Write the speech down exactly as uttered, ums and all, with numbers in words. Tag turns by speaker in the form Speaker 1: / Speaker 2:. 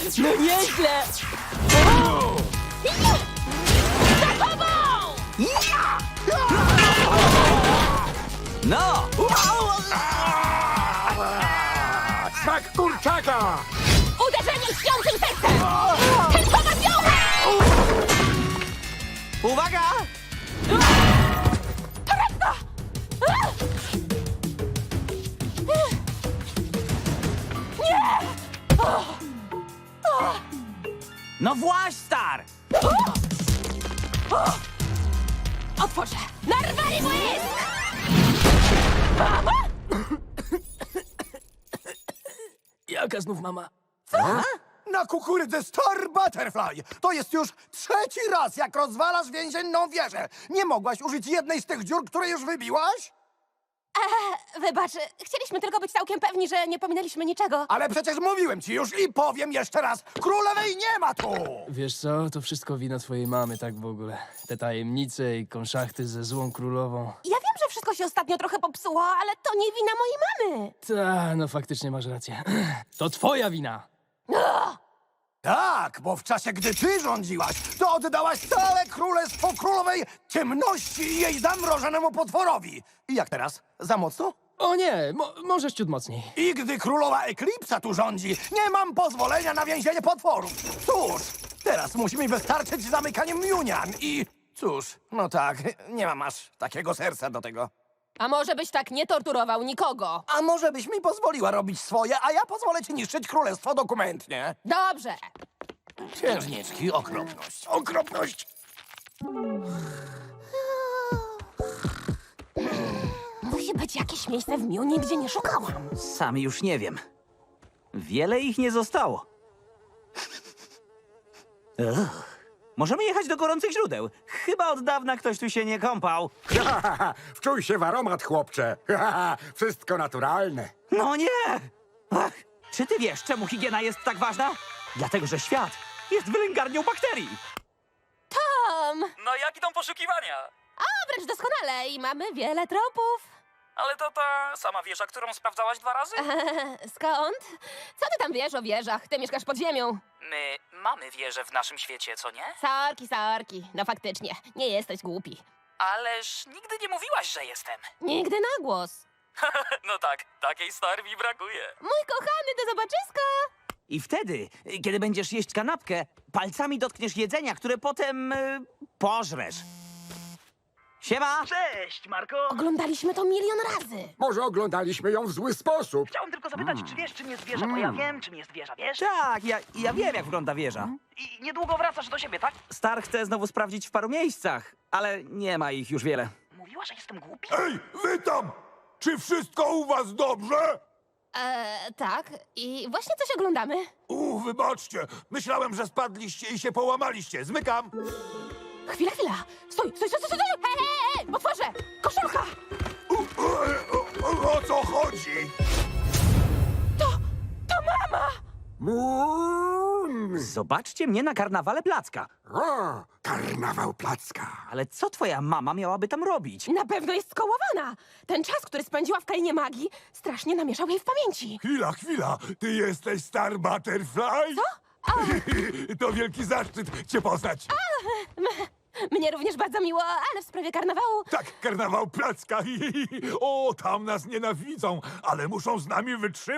Speaker 1: No nieźle!
Speaker 2: Za tobą!
Speaker 3: No!
Speaker 4: Smak kurczaka!
Speaker 2: Uderzenie śpiącym sercem! Tęczowa wiora!
Speaker 3: Uwaga! No właź, Star!
Speaker 2: Otworzę! Narwali błysk!
Speaker 1: Jaka znów mama?
Speaker 4: Na kukurydzę Star Butterfly! To jest już trzeci raz, jak rozwalasz więzienną wieżę! Nie mogłaś użyć jednej z tych dziur, które już wybiłaś?
Speaker 2: Wybacz, chcieliśmy tylko być całkiem pewni, że nie pominęliśmy niczego.
Speaker 4: Ale przecież mówiłem ci już i powiem jeszcze raz, królowej nie ma tu!
Speaker 1: Wiesz co, to wszystko wina twojej mamy, tak w ogóle. Te tajemnice i konszachty ze złą królową.
Speaker 2: Ja wiem, że wszystko się ostatnio trochę popsuło, ale to nie wina mojej mamy.
Speaker 1: Ta, no faktycznie masz rację. To twoja wina!
Speaker 4: Tak, bo w czasie, gdy ty rządziłaś, to oddałaś całe królestwo królowej ciemności i jej zamrożonemu potworowi. I jak teraz? Za mocno?
Speaker 1: O nie, mo możesz ciut mocniej.
Speaker 4: I gdy królowa Eklipsa tu rządzi, nie mam pozwolenia na więzienie potworów. Cóż, teraz musi mi wystarczyć zamykanie Miunian i... Cóż, no tak, nie mam aż takiego serca do tego.
Speaker 2: A może byś tak nie torturował nikogo?
Speaker 4: A może byś mi pozwoliła robić swoje, a ja pozwolę ci niszczyć królestwo dokumentnie?
Speaker 2: Dobrze.
Speaker 4: Księżniczki, okropność, okropność!
Speaker 2: Musi być jakieś miejsce w Miunie, gdzie nie szukałam.
Speaker 3: Sam już nie wiem. Wiele ich nie zostało. Ugh. Możemy jechać do gorących źródeł. Chyba od dawna ktoś tu się nie kąpał.
Speaker 4: Wczuj się w aromat, chłopcze. Wszystko naturalne.
Speaker 3: No nie! Ach, czy ty wiesz, czemu higiena jest tak ważna? Dlatego, że świat jest wylęgarnią bakterii.
Speaker 2: Tom!
Speaker 5: No jak idą poszukiwania?
Speaker 2: A wręcz doskonale i mamy wiele tropów.
Speaker 5: Ale to ta sama wieża, którą sprawdzałaś dwa razy?
Speaker 2: Skąd? Co ty tam wiesz o wieżach? Ty mieszkasz pod ziemią.
Speaker 5: My mamy wieżę w naszym świecie, co nie?
Speaker 2: Sorki, sorki. No faktycznie, nie jesteś głupi.
Speaker 5: Ależ nigdy nie mówiłaś, że jestem.
Speaker 2: Nigdy na głos.
Speaker 5: No tak, takiej star mi brakuje.
Speaker 2: Mój kochany, do zobaczyska!
Speaker 3: I wtedy, kiedy będziesz jeść kanapkę, palcami dotkniesz jedzenia, które potem y, pożresz. Siema!
Speaker 5: Cześć, Marko.
Speaker 2: Oglądaliśmy to milion razy.
Speaker 4: Może oglądaliśmy ją w zły sposób.
Speaker 5: Chciałem tylko zapytać, czy wiesz, czym jest wieża, bo ja wiem, czym jest wieża, wiesz?
Speaker 3: Tak, ja, ja wiem, jak wygląda wieża.
Speaker 5: I niedługo wracasz do siebie, tak?
Speaker 3: Star chce znowu sprawdzić w paru miejscach, ale nie ma ich już wiele.
Speaker 5: Mówiła, że jestem głupi?
Speaker 4: Ej, wy tam! Czy wszystko u was dobrze?
Speaker 2: Eee, tak. I właśnie coś oglądamy.
Speaker 4: U, wybaczcie. Myślałem, że spadliście i się połamaliście. Zmykam.
Speaker 2: Chwila, chwila. Stój, stój, stój, stój, stój. Hej, hej, hej, otworzę. Koszulka.
Speaker 4: U, o, o, o co chodzi?
Speaker 2: To, to mama.
Speaker 4: Moon!
Speaker 3: Zobaczcie mnie na karnawale Placka.
Speaker 4: O, karnawał Placka.
Speaker 3: Ale co twoja mama miałaby tam robić?
Speaker 2: Na pewno jest skołowana. Ten czas, który spędziła w krainie magii, strasznie namieszał jej w pamięci.
Speaker 4: Chwila, chwila. Ty jesteś Star Butterfly?
Speaker 2: Co?
Speaker 4: To wielki zaszczyt cię poznać.
Speaker 2: Mnie również bardzo miło, ale w sprawie karnawału...
Speaker 4: Tak, karnawał Placka. O, tam nas nienawidzą, ale muszą z nami wytrzymać.